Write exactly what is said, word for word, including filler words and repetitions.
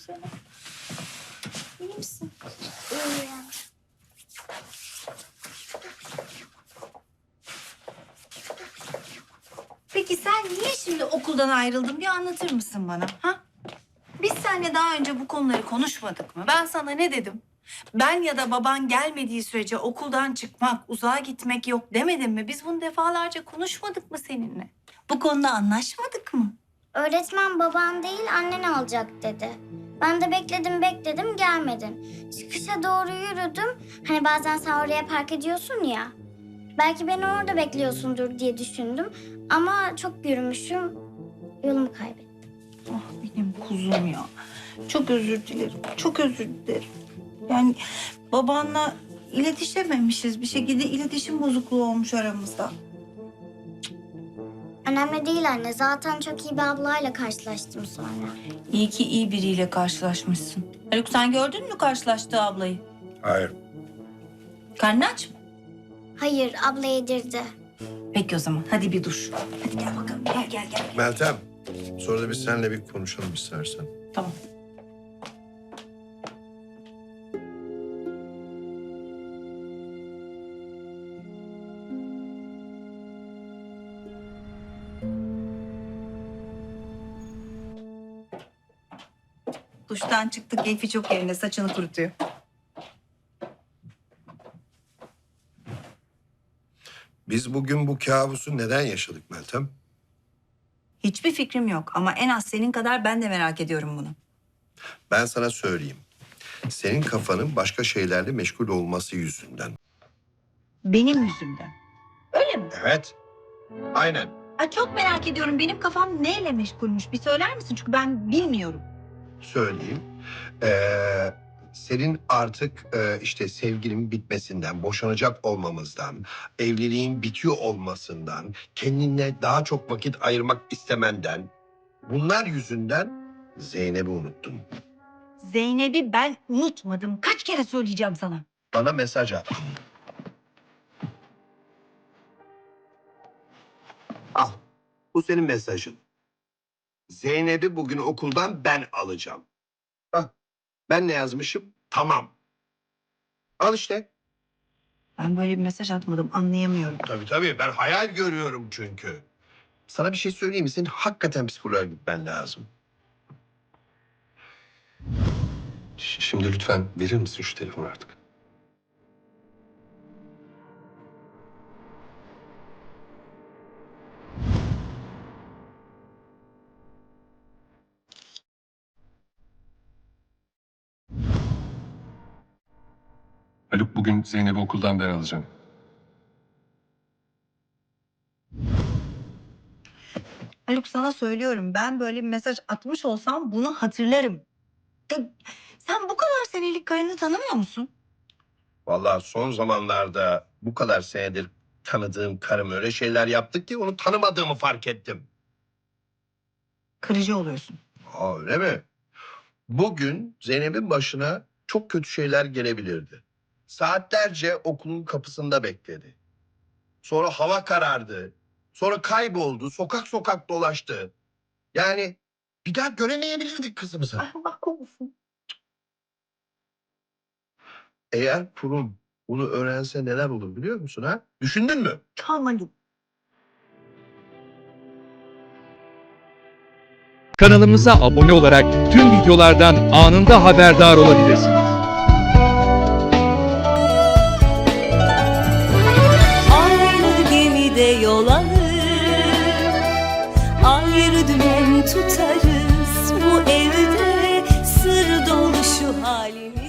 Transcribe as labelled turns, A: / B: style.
A: seni. İyi misin?
B: İyiyim.
A: Peki sen niye şimdi okuldan ayrıldın? Bir anlatır mısın bana? Ha? Biz seninle daha önce bu konuları konuşmadık mı? Ben sana ne dedim? Ben ya da baban gelmediği sürece okuldan çıkmak, uzağa gitmek yok demedim mi? Biz bunu defalarca konuşmadık mı seninle? Bu konuda anlaşmadık mı?
B: Öğretmen baban değil annen alacak dedi. Ben de bekledim bekledim gelmedin. Çıkışa doğru yürüdüm. Hani bazen sen oraya park ediyorsun ya. Belki beni orada bekliyorsundur diye düşündüm. Ama çok yürümüşüm. Yolumu kaybettim.
A: Ah benim kuzum ya. Çok özür dilerim. Çok özür dilerim. Yani babanla iletişememişiz. Bir şekilde iletişim bozukluğu olmuş aramızda.
B: Önemli değil anne. Zaten çok iyi bir ablayla karşılaştım sonra.
A: İyi ki iyi biriyle karşılaşmışsın. Haluk sen gördün mü karşılaştığı ablayı?
C: Hayır.
A: Karnı aç mı?
B: Hayır, abla yedirdi.
A: Peki o zaman hadi bir duş. Hadi gel bakalım gel gel gel.
C: Meltem, sonra da biz seninle bir konuşalım istersen.
A: Tamam. Duştan çıktık, keyfi çok yerinde. Saçını kurutuyor.
C: Biz bugün bu kabusu neden yaşadık Meltem?
A: Hiçbir fikrim yok ama en az senin kadar ben de merak ediyorum bunu.
C: Ben sana söyleyeyim. Senin kafanın başka şeylerle meşgul olması yüzünden.
A: Benim yüzümden. Öyle mi?
C: Evet. Aynen.
A: Ay çok merak ediyorum. Benim kafam neyle meşgulmüş? Bir söyler misin? Çünkü ben bilmiyorum.
C: Söyleyeyim. Ee, senin artık e, işte sevgilin bitmesinden, boşanacak olmamızdan, evliliğin bitiyor olmasından, kendine daha çok vakit ayırmak istemenden, bunlar yüzünden Zeynep'i unuttun.
A: Zeynep'i ben unutmadım. Kaç kere söyleyeceğim sana?
C: Bana mesaj at. Al. Bu senin mesajın. Zeynep'i bugün okuldan ben alacağım. Bak, ben ne yazmışım? Tamam. Al işte.
A: Ben böyle bir mesaj atmadım. Anlayamıyorum.
C: Tabii tabii. Ben hayal görüyorum çünkü. Sana bir şey söyleyeyim mi? Senin hakikaten psikoloğa gitmen lazım.
D: Ş- Şimdi lütfen verir misin şu telefonu artık? Haluk, bugün Zeynep'i okuldan ben alacağım.
A: Haluk sana söylüyorum. Ben böyle bir mesaj atmış olsam bunu hatırlarım. De, sen bu kadar senelik karını tanımıyor musun?
C: Vallahi son zamanlarda bu kadar senedir tanıdığım karım öyle şeyler yaptı ki onu tanımadığımı fark ettim.
A: Kırıcı oluyorsun.
C: Aa, öyle mi? Bugün Zeynep'in başına çok kötü şeyler gelebilirdi. Saatlerce okulun kapısında bekledi. Sonra hava karardı. Sonra kayboldu. Sokak sokak dolaştı. Yani bir daha göremeyebilirdik kızımızı.
A: Ay Allah korusun.
C: Eğer kurum bunu öğrense neler olur biliyor musun ha? Düşündün mü?
A: Tamam Haluk.
E: Kanalımıza abone olarak tüm videolardan anında haberdar olabilirsiniz.
F: Aynı gemide yol alır, ayrı dümen tutarız. Bu evde sır dolu şu halimiz.